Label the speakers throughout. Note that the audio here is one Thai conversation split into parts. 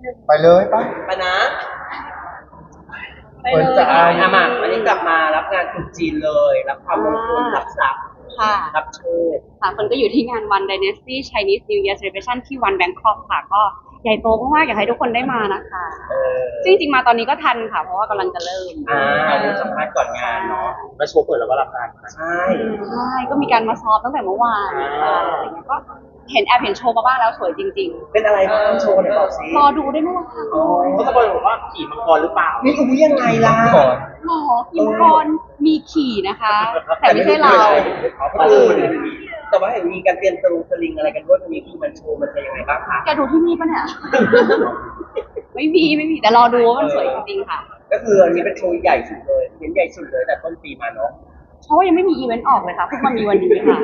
Speaker 1: ไปเลยปะ
Speaker 2: ไปนะ
Speaker 3: ไปเลย
Speaker 2: อามาวันนี้กลับมารับงานตรุษจีนเลยรับความมงคลรับทรัพย์
Speaker 3: ค่ะ
Speaker 2: รับโชค
Speaker 3: ค่ะคนก็อยู่ที่งาน One Dynasty Chinese New Year Celebration ที่ One Bangkok ค่ะ ก็ใหญ่โตมากๆอยากให้ทุกคนได้มานะคะ
Speaker 2: เออ
Speaker 3: ซึ่งจริงๆมาตอนนี้ก็ทันค่ะ เพราะว่ากำลังจะเริ่ม
Speaker 2: เดี๋ยวสัมภาษณ์ก่อนงานเนาะ
Speaker 1: มาโชว์เปิดแล้วก็รับงาน
Speaker 2: ใช่
Speaker 3: ใช่ก็มีการมาซ้อมตั้งแต่เมื่อวานอะไรอย่างเงี้ยก็แอบเห็นโชว์มาบ้างแล้วสวยจริง
Speaker 2: เป็นอะไรบ้างโชว์หน่อยบอกสิ
Speaker 3: ๆ รอดูได้ไหมล่ะคะ
Speaker 1: เขาตะโกนบอกว่าขี่มังกรหรือเปล่า
Speaker 2: นี่รู้ยังไงล่ะ
Speaker 1: ก่อน
Speaker 3: หรอกิมกรมีขี่นะคะ แต่ไม่ใช่เรา
Speaker 2: แต่ว่าเห็นมีการเตรียมสลิงอะไรกันด้วยมีมันโชว์มันจะยังไงบ้างคะ
Speaker 3: แกดูที่นี่ปะเนี่ย ไม่มีแต่รอดูว่ามันสวยจริงๆค่ะ
Speaker 2: ก็คืออันนี้เป็นโชว์ใหญ่สุดเลยเห็นใหญ่สุดเลยแต่ต้นปีมาเนาะ
Speaker 3: เพราะว่ายังไม่มีอีเวนต์ออกเลยค่ะเพิ่งมามีวันนี้ค่ะ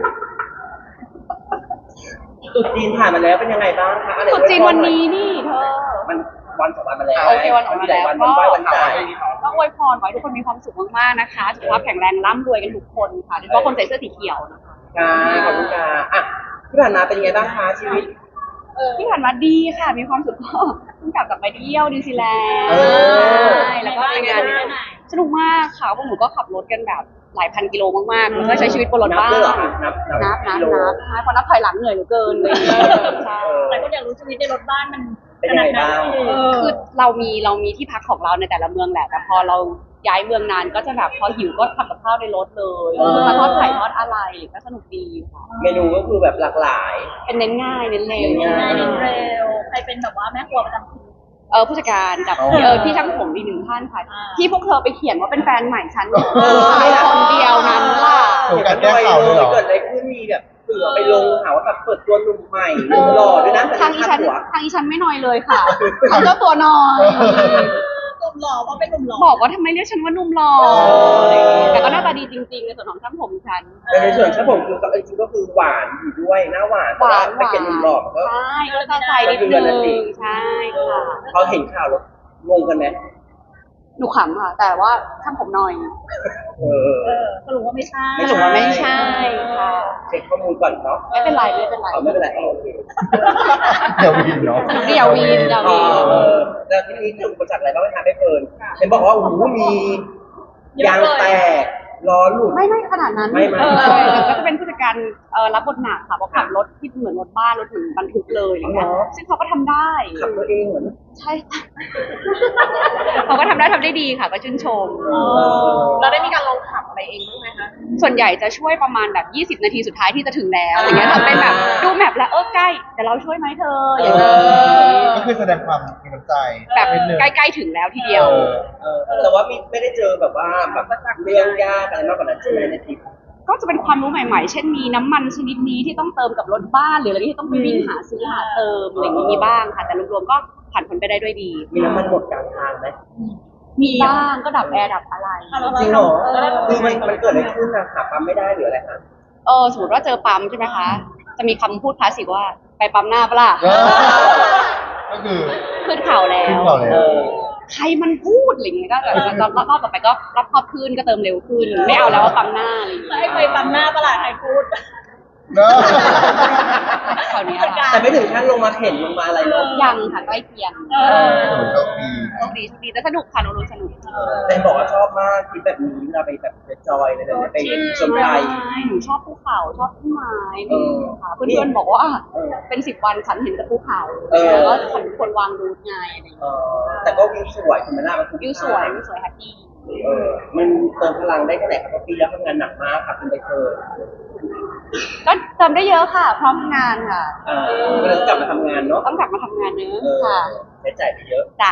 Speaker 2: ตรุษจีนผ่านมาแล้วเป็นยังไงบ้างคะ
Speaker 3: ตรุษจีนวันนี้นี่เธอ
Speaker 2: มันวันสองวันมาแล้ว
Speaker 3: โอเควันออกมาแล้ว
Speaker 2: วันไหว้วันจ่าย
Speaker 3: ก็อวยพรขอให้ทุกคนมีความสุขมากๆนะคะสุขภาพแข็งแรงร่ำรวยกันทุกคนค่ะโดยเฉพาะคนใส่เสื้อสีเขียวนะคะ
Speaker 2: ค่ะขอบคุณค่ะอ่ะที่ผ่านมาเป็นยังไงบ้างคะชีวิต
Speaker 3: ที่ผ่านมาดีค่ะมีความสุขก็เพิ่งกลับไปเที่ยวนิวซีแลนด์
Speaker 2: เออ
Speaker 3: ใช่แล้วก็ไปงานสนุกมากค่ะพวกหนูก็ขับรถกันแบบหลายพันกิโลมากๆแล้วก็ใช้ชีวิตบนรถบ้าน
Speaker 2: ด้วยเหรอคะนับ
Speaker 3: นับ
Speaker 2: กิโล
Speaker 3: ใช่เพราะนับถอยหลังเหนื่อยเหลือเกินเลยใช่
Speaker 4: แต่ก็อยากรู้ชีวิตในรถบ้านมัน
Speaker 2: เป็นยังไงบ้าง
Speaker 3: คือเรามีที่พักของเราในแต่ละเมืองแหละแต่พอเราย้ายเมืองนานก็จะแบบพอหิวก็ทำกับข้าวในรถเลยมาทอดไข่ทอดอะไรก็สนุกดีค่ะ
Speaker 2: เมนูก็คือแบบหลากหลาย
Speaker 3: เป็นเน้นง่ายเน้นเร็ว
Speaker 2: เน้นง่าย
Speaker 4: เน้นเร็วใครเป็นแบบว่าแม่ครัวประจำทีม
Speaker 3: ผู้จัดการกับพี่ช่างผมอีกหนึ่งท่านค่ะ
Speaker 4: อ่า
Speaker 3: ที่พวกเธอไปเขียนว่าเป็นแฟนใหม่ฉันคนเดียวนั้นล่ะ
Speaker 1: โอ้การแก้ข่าวเลยเหรอ
Speaker 2: เกิดอะไรขึ้นมีแบบเสือไปลงหาว่าแบบเปิดตัวหนุ่มใหม่หล่อด้วยนะแต่
Speaker 3: ทางอี
Speaker 2: ค่า
Speaker 3: ฉัน
Speaker 2: หัว
Speaker 3: ทางอีฉันไม่น้อยเลยค่ะทางเจ้าตัวน้อย
Speaker 4: หนุ่มหล่อว่าเป็นหนุ่มหล่อ
Speaker 3: บอกว่าทำไมเรียกฉันว่านุ่มหล่อ
Speaker 2: อ
Speaker 3: แต่ก็หน้าตาดีจริงๆในส่วนของช่างผมฉัน
Speaker 2: แต่ในส่วนช่างผมคือจริงๆก็คือหวานอยู่ด้วยหน้าหวานแต่ว่าไม่เป็นหนุ่มหล่อก็
Speaker 3: ใช่ก็จะใส่นิดนึงใช่ค่ะ
Speaker 2: เขาเห็นข่าวแล้วงงกันไหม
Speaker 3: หนูขำค่ะ แต่ว่าช่างผมหน่อย
Speaker 2: เออ
Speaker 4: สรุปว่าไม่ใช่
Speaker 2: ไม่ถูกว่า
Speaker 3: ไม่ใช่ค่ะ
Speaker 2: เช็คข้อมูลก่อนเนาะ
Speaker 3: ไม่เป็นไรไม่เป็นไร
Speaker 2: ไม่เป็นไรโอเค
Speaker 1: เดี๋ยววินเนาะ
Speaker 3: เดี๋ยววีนเดี๋ยววีน
Speaker 2: แล้วที่นี้เจออุปสรรคอะไรบ้างไหมคะไม่เฟิร์นเห็นบอกว่าโอ้โหมียางแตกล้อหลุด
Speaker 3: ไม่ขนาดนั้น
Speaker 2: ไม่
Speaker 3: ก็จะเป็นผู้จัดการรับบทหนักค่ะเพราะขับรถที่เหมือนรถบ้านรถถึงบรรทุกเลยอะไรเงี้ยซึ่งเขาก็ทำได้
Speaker 2: ขับตัวเองเหมือน
Speaker 3: ใช่เขาก็ทำได้ดีค่ะ ก็ชื่นชม
Speaker 4: เราได้มีการลองขับอะไรเองบ้างไหมคะ
Speaker 3: ส่วนใหญ่จะช่วยประมาณแบบ20 นาทีสุดท้ายที่จะถึงแล้วอย่างเงี้ยทำเป็นแบบดูแมพแล้วใกล้แต่เราช่วยไหมเธออย่างเงี้ย
Speaker 1: ก็คือแสดงความมีน้ำใจ
Speaker 3: แบบ
Speaker 1: นิดนึง
Speaker 3: ใกล้ๆถึงแล้วทีเดียว
Speaker 2: แต่ว่าไม่ได้เจอแบบว่าแบบเรื่องยากอะไรมากกว่านั้นใช่ไหมในทริป
Speaker 3: ก็จะเป็นความรู้ใหม่ๆ เช่นมีน้ำมันชนิดนี้ที่ต้องเติมกับรถบ้านหรืออะไรที่ต้องไปวิ่งหาซื้อหาเติมอะไรอย่างนี้มีบ้างค่ะ แต่รวมๆก็ผ่านพ้นไปได้ด้วยดี
Speaker 2: มีน้ำมันหมดกลางทางไหม
Speaker 3: มีบ้างก็ดับแอร์ดับอะไร
Speaker 2: จริงเหรอคือมันเกิดอะไรขึ้นนะหาปั๊มไม่ได้หรืออะไรคะ
Speaker 3: สมมติว่าเจอปั๊มใช่ไหมคะ จะมีคำพูดคลาสสิกว่าไปปั๊มหน้าปะล่ะ
Speaker 1: ก็คือ
Speaker 3: ขึ้นเข่าแล้
Speaker 1: ขึ้น
Speaker 3: ว
Speaker 1: เข่าแล้ว
Speaker 3: ใครมันพูดอะไรอย่างเงี้ยก็แบบรอบต่อไปก็รอบครอบขึ้นก็เติมเร็วขึ้น ไม่เอาแล้วว่าปั๊มหน้าอะไรอย่างเงี้ย
Speaker 4: ให้ไปปั๊มหน้าประหลาดใครพูด
Speaker 1: เนอะ
Speaker 3: คราวเนี้ยค่ะ
Speaker 2: แต่ไม่ถึงขั้นลงมาเข็นลงมาอะไรเนาะ
Speaker 3: ยังค่ะใกล้เคียง
Speaker 1: โอ้โชคดี
Speaker 3: โชคดีแต่สนุกค่ะรู้สนุก
Speaker 2: แต่บอกว่าชอบมากทริปแบบนี้เวลาไปแบบไปจอยอะไรแบบนี้ไปชมไทย
Speaker 3: หนูชอบภูเขาชอบต้นไม้ดีค่ะเพื่อนๆบอกว่าเป็น10 วันฉันเห็นแต่ภูเขาแล้วก็ฉันควรวางรูทไงอะไรอย่างเงี้ย
Speaker 2: แต่ก็วิวสวยคุณแม่น่ามันคุ้ม
Speaker 3: วิวสวยแฮปปี้
Speaker 2: มันเติมพลังได้แค่ไหนครับเพราะปีแล้วทำงานหนักมากครับคุณใบเฟิร์น
Speaker 3: ก็เติมได้เยอะค่ะ พร้อมงานค่ะ
Speaker 2: ก็เลยกลับมาทำงานเนาะ
Speaker 3: ต้องกลับมาทำงานเนอะค่ะ
Speaker 2: ใช้จ่ายไปเยอะ
Speaker 3: จ้ะ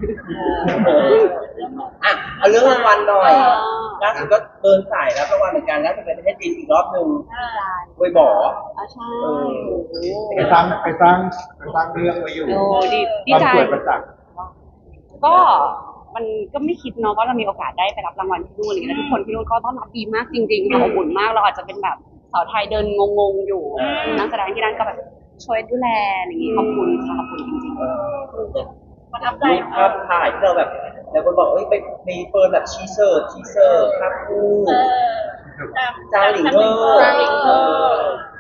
Speaker 2: อ่ะเอาเรื่องรางวัลหน่อยล่าสุดก็เดินสายรับรางวัลเหมือนกันแล้วจะไปประเทศจีนอีกรอบหนึ่งเวยบ่อ
Speaker 3: ใช่
Speaker 1: ไปสร้างเรื่องไว้อยู่
Speaker 3: โอ้ดี
Speaker 1: ความ
Speaker 3: ใจ
Speaker 1: สวยประจักษ์
Speaker 3: ก็มันก็ไม่คิดเนาะว่าเรามีโอกาสได้ไปรับรางวัลที่นู่นอะไรอย่างเงี้ยแล้วทุกคนที่นู่นก็ต้อนรับดีมากจริงๆค่ะอบอุ่นมากเราอาจจะเป็นแบบสาวไทยเดินงงๆอยู่นักแสดงที่นั่นก็แบบช่วยดูแลอะไรอย่างงี้ขอบคุณค่ะขอบคุณจริงๆ
Speaker 4: ประทับใจ
Speaker 2: รูปภาพถ่ายที่เราแบบแล้วคนบอกเอ้ยไปมีเฟิร์นแบบชีเซอร์ภาพคู่ จางหลิงเวอร์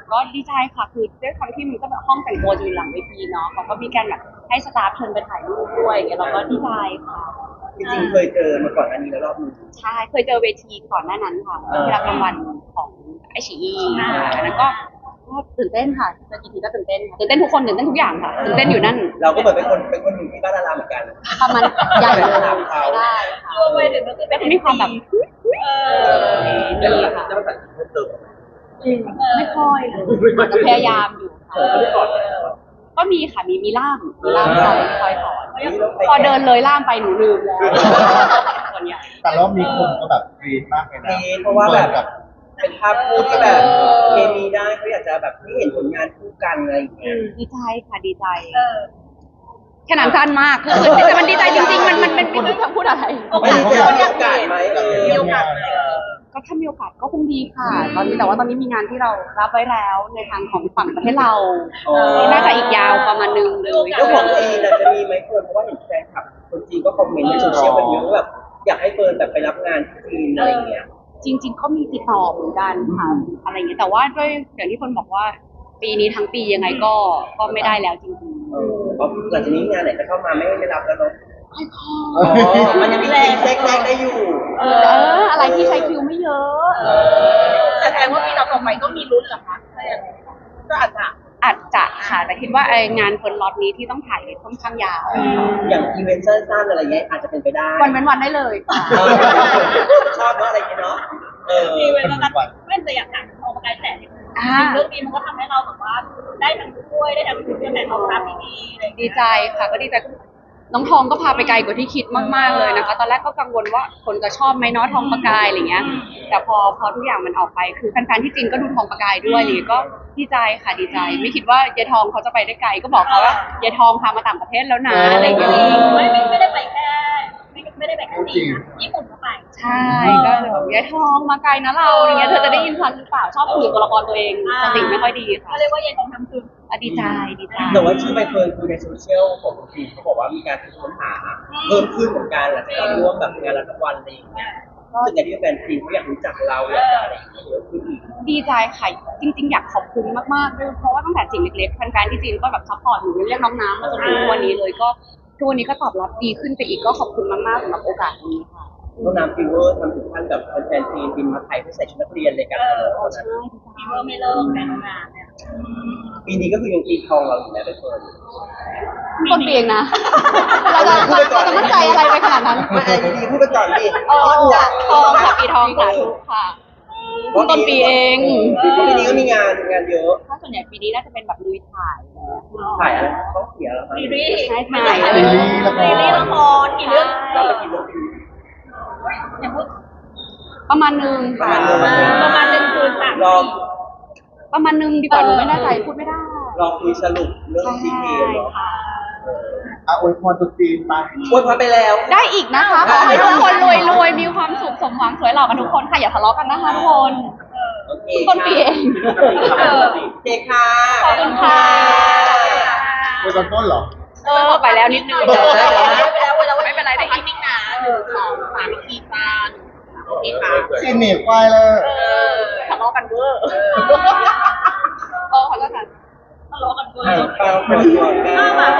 Speaker 3: ก็ดีใจค่ะคือด้วยความที่มันก็แบบห้องแต่งตัวจะอยู่หลังเวทีเนาะเขาก็มีการแบบให้สตาฟเชิญไปถ่ายรูปด้วยอย่างเงี้ยเราก็ดีใจค่ะ
Speaker 2: จริงๆเคยเจอมาก่อนอันนี้แล้วรอบนึง
Speaker 3: ใช่เคยเจอเวทีก่อนหน้านั้นค่ะที่รับรางวัลของไอชีอันนั้นก็ตื่นเต้นค่ะเจอกี่ทีก็ตื่นเต้นค่ะตื่นเต้นทุกคนตื่นเต้นทุกอย่างค่ะตื่นเต้นอยู่นั่น
Speaker 2: เราก็เหมือนเป็นคนหนึ่งที่บ้านดาราเหมือนกัน
Speaker 3: ประมาณใหญ่เลยได้ค่ะ
Speaker 4: รวมไปถึงก็คือ
Speaker 3: ก็จะมีความแบบ
Speaker 2: แล้ว
Speaker 3: นี่
Speaker 2: จะ
Speaker 3: ค่ะ
Speaker 2: มาตัดเพิ่มเติม
Speaker 3: ไม่ค่อยเลยอาจจะพยายามอยู่ค่ะก็มีค่ะมีล่ามคอยสอนพอเดินเลยล่ามไปหนูลืมแล้วส่วนใหญ่
Speaker 1: แต่รอบนี้คนก็แบบกรี๊ดมากเลยนะ
Speaker 2: เพราะว่าแบบ
Speaker 1: กับ
Speaker 2: เป็นภาพคู่ที่แบบเคมีได้เขาอยากจะแบบให้เห็นผลงานคู่กันอะไรอย่างเงี้ย
Speaker 3: ดีใจค่ะดีใจขนาดสั้นมากคือแต่มันดีใจจริงๆมันไม่รู้จะพูดอะไร
Speaker 2: ไม่รู้จะมีโอกาสไหม
Speaker 4: มีโอกาสไหม
Speaker 3: ก็ถ้ามีโอกาสก็คงดีค่ะ ตอนนี้แต่ว่าตอนนี้มีงานที่เรารับไว้แล้วในทางของฝั่งประเทศเราน่าจะอีกยาวประมาณนึงเลย
Speaker 2: แล้วของจีนจะมีไหมเฟิร์นเพราะว่าเห็นแฟนคลับคนจีนก็คอมเมนต์ในโซเชียลกันเยอะว่าแบบอยากให้เฟิร์นแบบไปรับงานที่จีนอะไรอย่างเงี้ย
Speaker 3: จริงๆก็มีติดต่อเหมือนกันค่ะอะไรอย่างเงี้ยแต่ว่าด้วยอย่างที่คนบอกว่า ปีนี้ทั้งปียังไงก็ไม่ได้แล้วจริง
Speaker 2: เพราะหลังจากนี้งานไหนจะเข้ามาไม่รับแล้วเนาะ
Speaker 3: ๆค่อย
Speaker 2: มันยังมีแทรกได้อยู่
Speaker 3: อะไรที่ใช้คิวไม่เยอะ
Speaker 4: แต่แสดงว่าปีต่อไปก็มีลุ้นเหรอคะถ้าอย่างนั้นก็อาจจะ
Speaker 3: อาจจะค่ะแต่คิดว่าไองานคนล็อตนี้ที่ต้องถ่ายค่อนข้างยาว
Speaker 2: อย่างอีเวนต์สั้นๆอะไรเงี้ยอาจจะเป็นไปได้
Speaker 3: วันเว้นวันได้เลยค่ะ
Speaker 2: ชอบเนาะอะไรอย่างเงี้ยเนาะ
Speaker 4: มีเวลาไม่แต่อยากถามออกกำลังกายแต่เรื่องนี้มันก็ทำให้เราแบบว่าได้ทั้งช่วยได้ทั้งคือแต่เราทำที่ดีอะไรอย่างเงี้ย
Speaker 3: ดีใจค่ะก็ดีใจน้องทองก็พาไปไกลกว่าที่คิดมากๆเลยนะคะ ตอนแรกก็กังวลว่าคนจะชอบไหมเนาะทองประกายอะไรเงี้ย แต่พอทุกอย่างมันออกไปคือแฟนๆที่จีนก็ดูทองประกายด้วยเลยก็ดีใจค่ะดีใจ ไม่คิดว่ายายทองเขาจะไปได้ไกลก็บอกเขาว่ายายทองพามาต่างประเทศแล้วนะอะไรอย่างเงี้ย
Speaker 4: ไม่ได้ไปแค่ไม่ได้ไปแค่จีนนะญี่ปุ่นก็ไป
Speaker 3: ใช่ก็เลยบอกยายทองมาไกลนะเราอะไรเงี้ยเธอจะได้ยินฉันหรือเปล่าชอบคุยกับตัวละครตัวเองสติไม่ค่อยดีค่ะ
Speaker 4: ก็เรียกว่าเย็นของทำคือ
Speaker 3: ดีใจดีใจ
Speaker 2: แต่ว่าชื่อใบเฟิร์นคือในโซเชียลของจีนเขาบอกว่ามีการค้นหาเพิ่มขึ้นเหมือนกันหลังจากเราร่วมแบบงานรับรางวัลอะไรอย่างเงี้ยก็ส่วนใหญ่ที่แฟนจีนเขาอยากรู้จักเราอยากจะอะไรอย่างเงี้ยเยอะขึ้นอีก
Speaker 3: ดีใจค่ะจริงๆอยากขอบคุณมากๆด้วยเพราะว่าตั้งแต่สิ่งเล็กๆแฟนๆที่จีนก็แบบซัพพอร์ตหนูเรียกน้องน้ำมาจนถึงทุกวันนี้เลยก็ทุกวันนี้ก็ตอบรับดีขึ้นไปอีกก็ขอบคุณมากๆสำหรับโอกาสนี้ค่ะ
Speaker 2: น้องน้ำฟิวเวอร์ทำถึงขั้นแบบแฟนจีนบินมาไทยเพื่อใส่ชุดนักเรียนเลยกัน
Speaker 3: ใช่
Speaker 4: มีเพิ่มไม่เลิกแต่งงานเนี่ย
Speaker 2: ปีนี้ก็คือยังตีทองเราอยู่แล้วใบเฟิร์น
Speaker 3: ต้นปีเองนะเราจะมั่นใจอะไรไปขนาดนั้น
Speaker 2: ไม่ไอ้ดีๆพูดไปก่อนดิ
Speaker 3: ทองค่ะปีทองสาธุค่ะต้นปีเอง
Speaker 2: ปีนี้ก็มีงานเยอะ
Speaker 3: ถ้าส่วนใหญ่ปีนี้น่าจะเป็นแบบลุยถ่าย
Speaker 2: ถ่ายอะไรเขาเสียแล้วครับ
Speaker 4: ซีรีส์
Speaker 3: ใช่ถ่าย
Speaker 4: ซีรีส์ละครกี่เรื่อง
Speaker 2: เราไปกินโรตี
Speaker 4: อย่างพูด
Speaker 3: ประมาณนึงค่ะ
Speaker 4: ประมาณหนึ่งคืนสาม
Speaker 2: ลอง
Speaker 3: ประมาณนึงดีกว่าหนูไม่แน่ใจพูดไม่ได้
Speaker 2: ลองคุยสรุปเรื่องดีเทลเนาะ
Speaker 1: อวยพรตุ๊จีนไป
Speaker 2: อวยพรไปแล้ว
Speaker 3: ได้อีกนะคะขอให้ทุกคนรวยๆมีความสุขสมหวังสวยหล่อกันทุกคนค่ะอย่าทะเลาะกันนะคะทุกคน
Speaker 2: โอเค
Speaker 3: ต้นปีเอง
Speaker 2: โอเคค่ะ
Speaker 3: ขอบคุณค่ะ
Speaker 1: อวยตอนต้นเหรอ
Speaker 3: ไปแล้วนิดนึง
Speaker 4: ไม่เป็นไรได้อีกนิดนะ1 2 3ทีตาโอเคค่ะ
Speaker 1: จีนหนีบควายเลย
Speaker 3: ทะเลาะกันเวอร์ขอโทษค่ะ
Speaker 4: ทะเลาะกันเวอ
Speaker 2: เปล่า
Speaker 4: ร์
Speaker 2: เปิดก่อนได้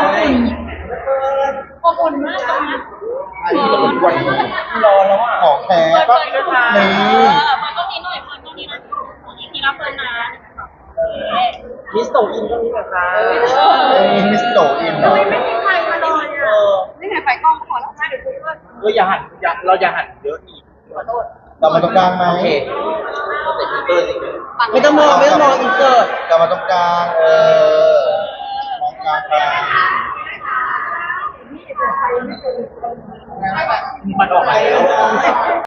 Speaker 4: อบอุ่นมากตรงนี้
Speaker 1: ไอ้ที่เราเป็นวัน
Speaker 2: รอแล้วอ่ะ
Speaker 1: ของแท้ก็นี่
Speaker 4: มันก็มีหน่อยมันก็มีนะมีรับเพิ่นนะ
Speaker 2: มิสโตอินก็มีนะคะ
Speaker 1: มิสโตอินเนาะ
Speaker 4: ไม่มีใครมาเลยอ่ะ
Speaker 3: นี่ไงไฟกล้องขอแล้วเดี๋ยวคุณก็
Speaker 2: เราอย่าหันเราอย่าหันเยอะอีก
Speaker 3: ขอโทษ
Speaker 1: กลับมาตรงกลางไหม
Speaker 2: โอเคไม่ต้องมองอินเสิร์ต
Speaker 1: กลับมาตรงกลางมองกลางไป
Speaker 2: มันออกมาแล้ว